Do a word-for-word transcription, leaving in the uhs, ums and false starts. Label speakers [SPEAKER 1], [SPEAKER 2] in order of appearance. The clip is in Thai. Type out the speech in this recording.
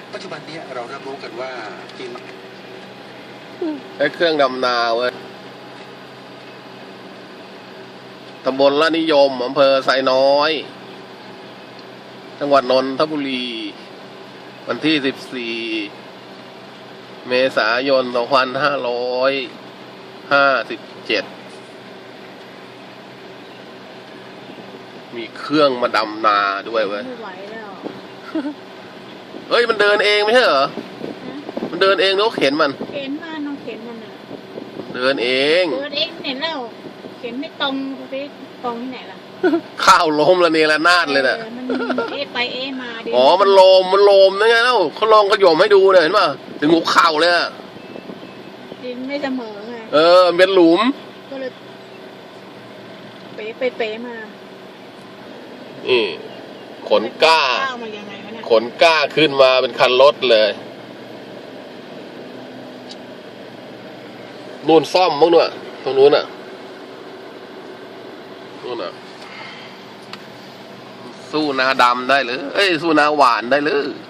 [SPEAKER 1] ปัจจุบันนี้เรารับรู้กันว่าจริง
[SPEAKER 2] ไอ้เครื่องดำนาเว้ยตำบลละนิยมอำเภอไซน้อยจังหวัดนนทบุรีวันที่สิบสี่เมษายนสองพันห้าร้อยห้าสิบเจ็ดมีเครื่องมาดำนาด้วยเว้ย
[SPEAKER 3] ไม่ไหวแล้ว
[SPEAKER 2] เฮ้ยมันเดินเองไม่ใช่เหรอมันเดินเองหรือเข็นมัน
[SPEAKER 3] เข็นมาน้องเข็นมันอ่ะ
[SPEAKER 2] เดินเอง
[SPEAKER 3] เดินเองเห็นแล้วเข็นไม่ตรงไปตรงที่ไหนล่ะ
[SPEAKER 2] ข้าวล้มละเนระนาดเลยน่ะ
[SPEAKER 3] มันเอไปเอมา
[SPEAKER 2] อ๋อมันโลมมันโลมนั่นไงเล่าเขาลองขยมให้ดูเลยเห็นป่ะถึงหัวเข่าเลยอ่ะ
[SPEAKER 3] ดินไม่เสมอไง
[SPEAKER 2] เออเป็นหลุม
[SPEAKER 3] ก็เลยเป๋ไปเป๋มา
[SPEAKER 2] นี่ขนกล้าขนกล้าขึ้นมาเป็นคันรถเลยนู่นซ่อมมั้งเนี่ยตรงนู้นอ่ะนู่นอ่ะสู้นาดำได้เลยเอ้ยสู้นาหวานได้เลย